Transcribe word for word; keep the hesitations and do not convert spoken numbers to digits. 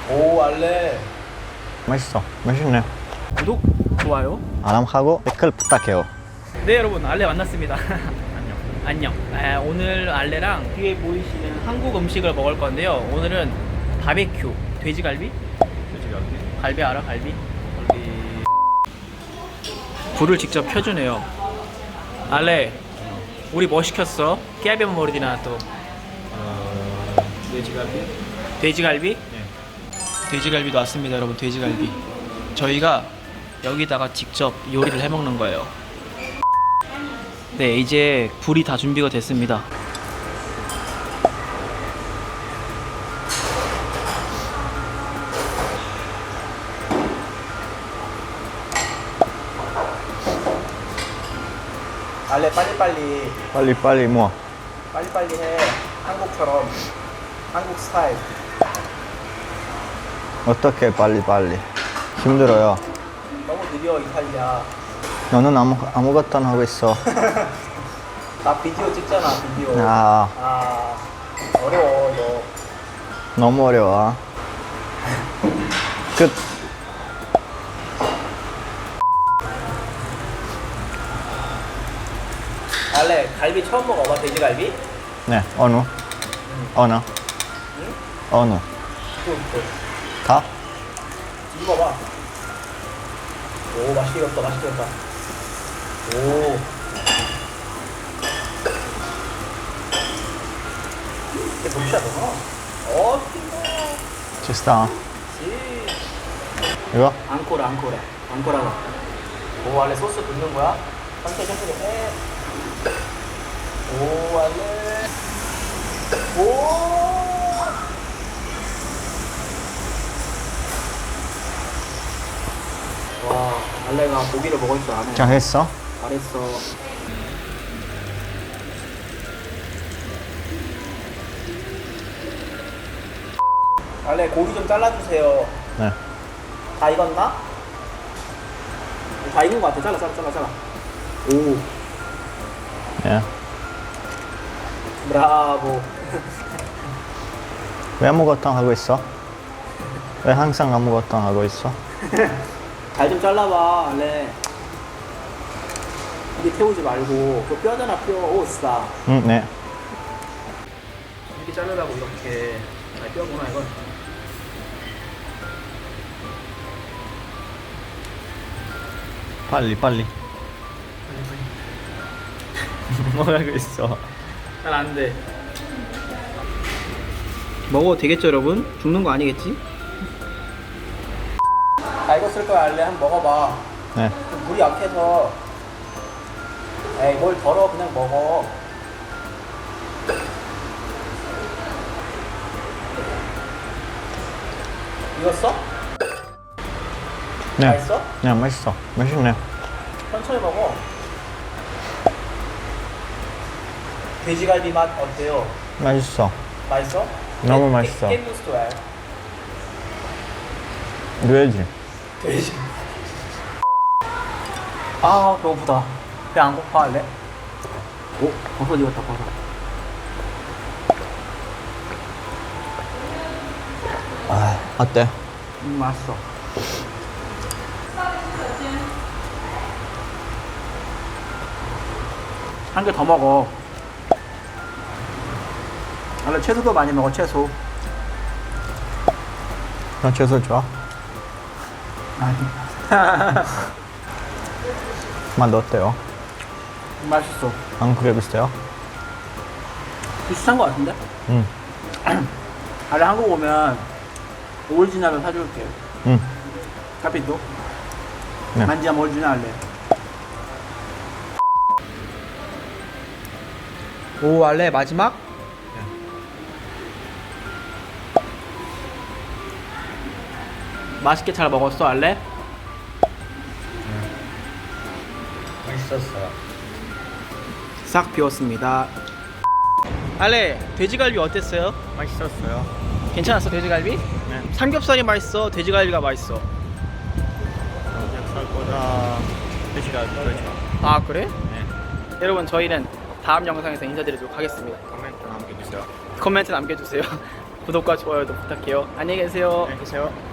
오 알레. 맛있어. 맛있네. 구독, 좋아요. 알람하고 댓글 부탁해요. 네 여러분, 알레 만났습니다. 안녕. 안녕. 아, 오늘 알레랑 뒤에 보이시는 한국 음식을 먹을 건데요. 오늘은 바베큐, 돼지갈비? 돼지갈비. 갈비 알아? 갈비? 갈비. 불을 직접 켜주네요. 알레, 우리 뭐 시켰어? 깨비 모르디나 또. 어... 돼지갈비? 돼지갈비? 네. 돼지갈비도 왔습니다, 여러분. 돼지갈비. 저희가 여기다가 직접 요리를 해 먹는 거예요. 네, 이제 불이 다 준비가 됐습니다. 알레 빨리빨리 빨리 빨리 뭐? 빨리빨리 해. 한국처럼, 한국 스타일. 어떻게 빨리 빨리? 힘들어요. 너무 느려 이탈리아. 너는 아무 아무것도 안 하고 있어. 나 비디오 찍잖아, 비디오. 아 아, 어려워 너. 너무 어려워. 끝. 알레, 갈비 처음 먹어봐. 돼지갈비? 네 어느? 어느? 응? 어느? 또, 또. 다? 먹어봐. 오, 맛있게 익었다, 맛있게 익었다. 오. 이게 녹시야, 너. 어, 띵거. Ci sta? 지. 이거? 앙코라, 앙코라. 앙코라가. 오, 알레 소스 붓는 거야? 천천히, 천천히 해. 오, 알레. 오. 와, 알레가 고기를 먹을 줄 아네. 잘했어? 잘했어. 알레, 고기 좀 잘라주세요. 네. 다 익었나? 다 익은 것 같아. 잘라, 잘라, 잘라, 잘라. 오, 예. 브라보. 왜 아무것도 안 하고 있어? 왜 항상 아무것도 안 하고 있어? 잘 좀 잘라봐, 알레. 이게 태우지 말고. 그 뼈잖아, 뼈. 오, 싸. 응, 네. 이렇게 자르라고, 이렇게. 아, 뼈구나, 이건. 빨리 빨리. 뭐 하고 있어? 잘 안 돼. 먹어도 되겠죠, 여러분? 죽는 거 아니겠지? 다 익었을 거야, 알레. 한번 먹어봐. 네. 좀 물이 약해서. 에이, 뭘 덜어. 그냥 먹어. 익었어? 네. 맛있어? 네, 맛있어. 맛있네. 천천히 먹어. 돼지갈비 맛 어때요? 맛있어. 맛있어? 너무 깨- 맛있어. 깨- 깨무스도 해. 돼지. 돼지. 아, 배고프다. 배 안 고파, 할래? 오, 버섯 익었다, 버섯. 아, 어때? 음, 맛있어. 한 개 더 먹어. 원래 채소도 많이 먹어, 채소. 나 채소 좋아? 아니. 맛 어때요? 맛있어. 한국에 비슷해요? 비슷한 거 같은데? 응. 아래 한국 오면 오리지널을 사줄게. 응. 카피도? 네. 만지야 오리지널 할래. 오, 알레 마지막? 맛있게 잘 먹었어, 알레? 맛있었어요. 싹 비웠습니다. 알레, 돼지갈비 어땠어요? 맛있었어요. 괜찮았어, 돼지갈비? 네. 삼겹살이 맛있어, 돼지갈비가 맛있어. 삼겹살보다 돼지갈비 더 좋아. 아, 그래? 네. 여러분, 저희는 다음 영상에서 인사드리도록 하겠습니다. 코멘트 남겨주세요. 코멘트 남겨주세요. 구독과 좋아요도 부탁해요. 안녕히 계세요. 안녕히 계세요.